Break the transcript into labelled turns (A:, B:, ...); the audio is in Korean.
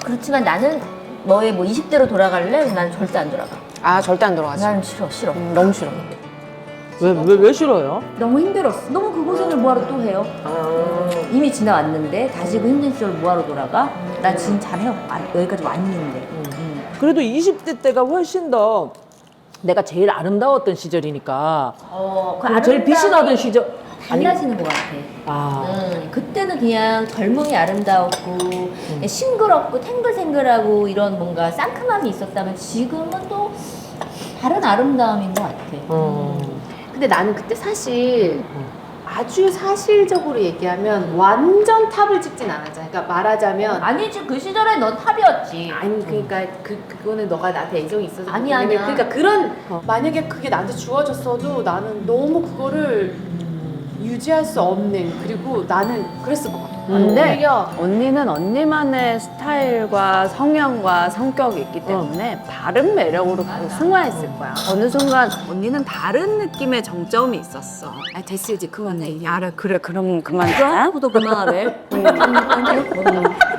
A: 그렇지만 나는 너의 뭐 20대로 돌아갈래? 나는 절대 안 돌아가.
B: 아, 절대 안 들어가지.
A: 나는 싫어.
B: 너무 싫어.
C: 왜 싫어요?
A: 너무 힘들었어. 너무 그 고생을 뭐하러 또 해요? 이미 지나왔는데 다시 그 힘든 시절 뭐하러 돌아가? 난 지금 잘해요. 여기까지 왔는데.
C: 그래도 20대 때가 훨씬 더 내가 제일 아름다웠던 시절이니까.
A: 그
C: 제일 빛이 나던 시절.
A: 달라지는 것 같아. 그때는 그냥 젊음이 아름다웠고 그냥 싱그럽고 탱글탱글하고 이런 뭔가 상큼함이 있었다면 지금은 또 다른 아름다움인 것 같아.
D: 근데 나는 그때 사실 아주 사실적으로 얘기하면 완전 탑을 찍진 않았잖아. 그러니까 말하자면
A: 아니지 그 시절에 넌 탑이었지.
D: 아니 그러니까 그거는 너가 나한테 애정이 있어서
A: 아니야.
D: 그러니까 그런 만약에 그게 나한테 주어졌어도 나는 너무 그거를 유지할 수 없는 그리고 나는 그랬을 것 같아.
B: 근데
D: 오히려
B: 언니는 언니만의 스타일과 성향과 성격이 있기 때문에 다른 매력으로 계속 승화했을 거야. 어느 순간 언니는 다른 느낌의 정점이 있었어.
D: 아 됐어 이제 그만해.
B: 알아, 그래, 그럼 그만.
A: 구도 그만하래.